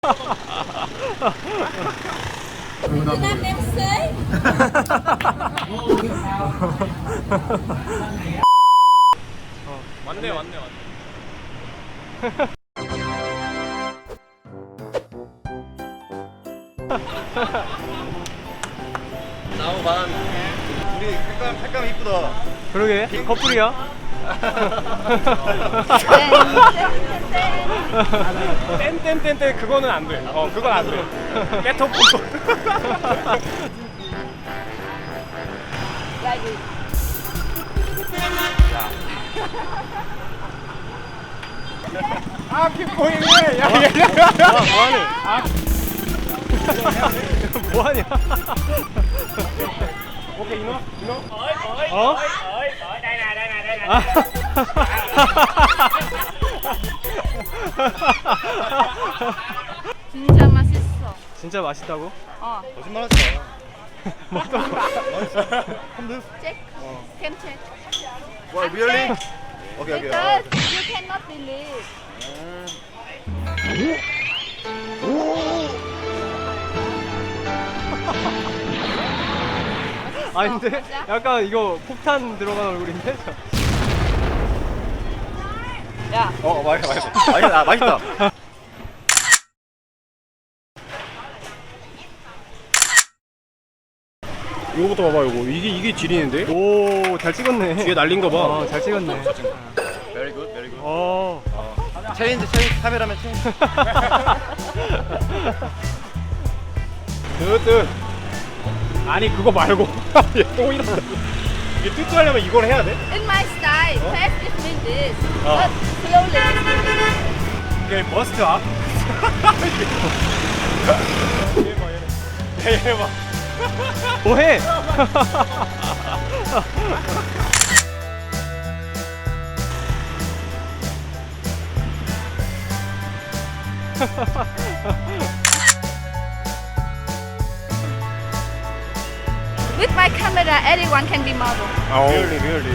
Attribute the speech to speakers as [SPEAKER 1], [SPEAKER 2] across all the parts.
[SPEAKER 1] Nam em xế.
[SPEAKER 2] 왔네. 나무 반. 우리 색감 이쁘다.
[SPEAKER 3] 그러게 커플이야? 땡땡땡땡 그거는 안 돼. 그건 안 돼. 깨톡
[SPEAKER 1] Là gì?
[SPEAKER 3] 아 킵보이네. 야 뭐하니? 뭐하냐? 오케이 이노? 어?
[SPEAKER 2] đây này.
[SPEAKER 3] 아.
[SPEAKER 1] 진짜 맛있어.
[SPEAKER 3] 진짜 맛있다고?
[SPEAKER 2] 거짓말하지 마.
[SPEAKER 1] Check. Can check.
[SPEAKER 2] 와, really? 오케이.
[SPEAKER 1] Because you cannot believe.
[SPEAKER 3] 아닌데? 약간 이거 폭탄 들어간 얼굴인데?
[SPEAKER 1] 야.
[SPEAKER 2] 맛있다.
[SPEAKER 3] 이거부터 봐봐 이거 이게 지리는데? 오 잘 찍었네. 뒤에 날린 거 봐. 잘 찍었네.
[SPEAKER 2] Very good.
[SPEAKER 3] 챌린지
[SPEAKER 2] 카메라맨 체인지.
[SPEAKER 3] 뜨뜻. 아니 그거 말고 또 이런다. 이게 뜨뜻하려면 이걸 해야 돼?
[SPEAKER 1] In my style, fast is mean this. But slowly is mean this.
[SPEAKER 3] 이게 머스트 업. 얘 봐. 뭐해?
[SPEAKER 1] With my camera, everyone can be model.
[SPEAKER 3] 리얼리.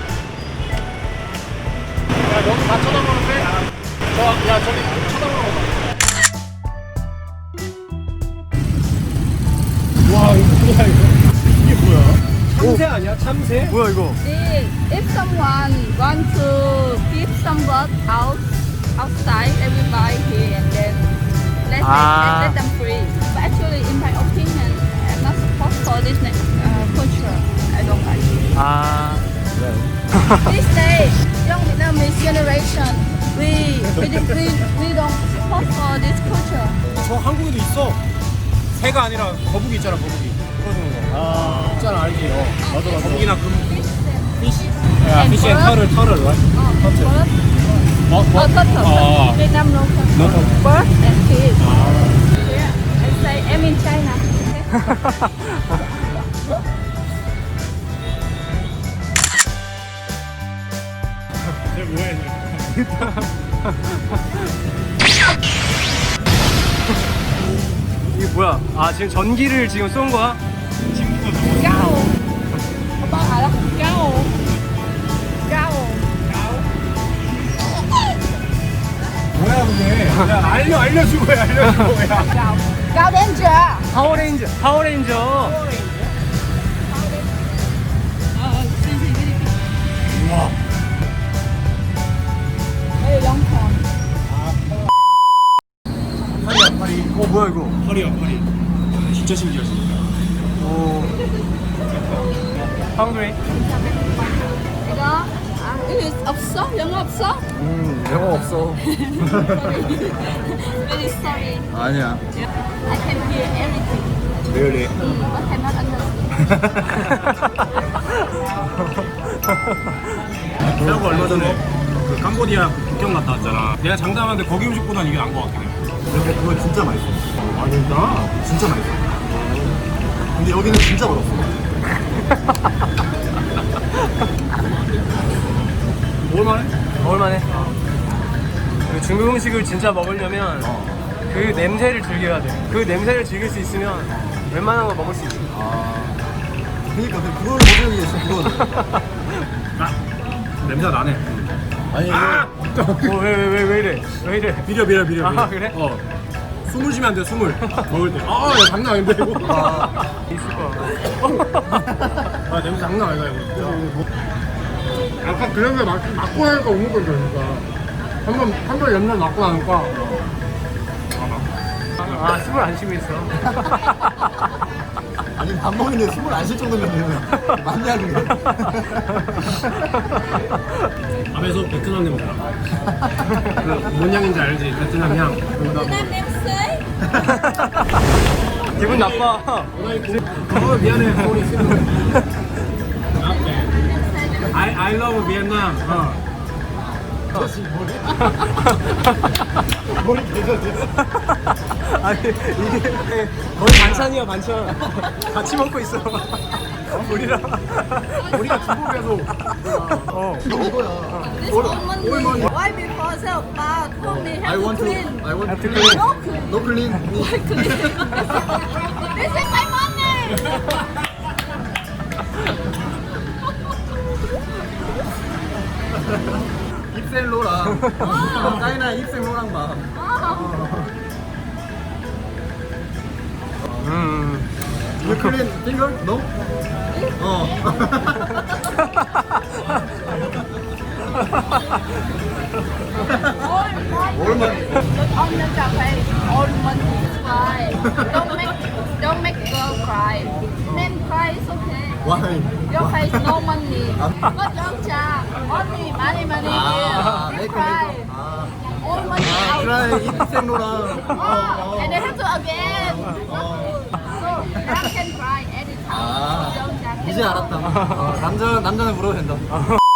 [SPEAKER 3] 야, 너무 다 쳐다보는데? 야, 저기 쳐다보는 거 봐. 와, 이거 뭐야, 이거? 이게 뭐야? 참새 아니야? 참새? 뭐야, 이거?
[SPEAKER 1] If someone want to give some work outside, everybody here and then let them free. But actually, in my opinion, I'm not supposed for this culture. I don't like it. These days, young Vietnamese generation, we don't support for this culture.
[SPEAKER 3] 저 한국에도 있어. 새가 아니라 거북이 있잖아, 거북이. 풀어주는 거. 있잖아, 알지? 맞아. 거북이나 피시. 야, 피시 앤 터를, right?
[SPEAKER 1] Bird.
[SPEAKER 3] 뭐?
[SPEAKER 1] Vietnam no culture.
[SPEAKER 3] No culture.
[SPEAKER 1] Bird and fish. Yeah, I say I'm in China.
[SPEAKER 3] 쟤 뭐해? 이게 뭐야? 아 지금 전기를 지금 쏜 거야?
[SPEAKER 1] Cao. 오빠 알아? Cao.
[SPEAKER 3] 뭐야 그게? 야 알려주고 해.
[SPEAKER 1] Cao Danger.
[SPEAKER 3] 파워레인저. 우와.
[SPEAKER 1] Very long time.
[SPEAKER 3] 파리. 뭐야 이거? 파리야. 진짜 신기하지. 오. Hungry?
[SPEAKER 1] 이거 이거 없어? 영어 없어?
[SPEAKER 2] 영어 없어.
[SPEAKER 1] Very sorry.
[SPEAKER 2] 아니야.
[SPEAKER 1] I can hear everything.
[SPEAKER 2] Really?
[SPEAKER 1] But cannot understand.
[SPEAKER 3] 태아가 얼마 전에 그 캄보디아 국경 갔다 왔잖아. 내가 장담하는데 거기 음식보단 이게 나은 것 같긴 해.
[SPEAKER 2] 근데 그거 진짜 맛있어.
[SPEAKER 3] 아 진짜?
[SPEAKER 2] 진짜 맛있어. 근데 여기는 진짜 맛없어.
[SPEAKER 3] 먹을만해. 그 중국 음식을 진짜 먹으려면 그 냄새를 즐겨야 돼. 그 냄새를 즐길 수 있으면 웬만한 거 먹을 수 있어.
[SPEAKER 2] 그러니까 그걸 못 즐기겠어. 그건.
[SPEAKER 3] 냄새 나네.
[SPEAKER 2] 아니
[SPEAKER 3] 왜 이래?
[SPEAKER 2] 비려.
[SPEAKER 3] 아 그래? 숨을 쉬면 안 돼, 숨을. 먹을 때. 아, 야, 장난 아닌데, 이거.
[SPEAKER 4] 있을 거야.
[SPEAKER 3] 아, 냄새 장난 아니다, 이거. 진짜. 약간 그 냄새 맡고 나니까 오는 거죠, 그러니까. 한번 연날 맡고 나니까.
[SPEAKER 4] 아, 숨을 안 쉬고 있어.
[SPEAKER 2] 아니 밥 먹는데 숨을 안 쉴 정도면 많이 하는 거야.
[SPEAKER 3] 밥에서 베트남 냄새. 그뭔 향인지 알지? 베트남 향.
[SPEAKER 1] Nam 냄새?
[SPEAKER 4] 기분 나빠.
[SPEAKER 3] 미안해, 소리 I love Vietnam.
[SPEAKER 2] 머리 개져져.
[SPEAKER 4] 아니, 이게 거의 반찬이야, 반찬. 같이 먹고 있어. 우리랑.
[SPEAKER 3] 우리가 중국에서
[SPEAKER 2] 이거야.
[SPEAKER 1] This woman why before so bad only
[SPEAKER 2] I
[SPEAKER 1] have to
[SPEAKER 2] want to.
[SPEAKER 1] clean.
[SPEAKER 2] I want
[SPEAKER 4] Have
[SPEAKER 2] to
[SPEAKER 4] to
[SPEAKER 2] clean.
[SPEAKER 1] No clean.
[SPEAKER 2] No clean.
[SPEAKER 1] Why clean? This is my money.
[SPEAKER 2] 입생로랑. 까이나 입생로랑 봐. You clean finger? No?
[SPEAKER 1] All money. Look on the cafe. All money cry. Don't make girl cry. Men cry is okay.
[SPEAKER 2] Why?
[SPEAKER 1] Your face no money. But your cha only money here. They cry. All money out.
[SPEAKER 2] 그래 입생로랑.
[SPEAKER 1] And they have to again. So Ram can cry anytime.
[SPEAKER 2] 아,
[SPEAKER 1] Don't
[SPEAKER 2] 이제 알았다. 남자는 물어도 된다.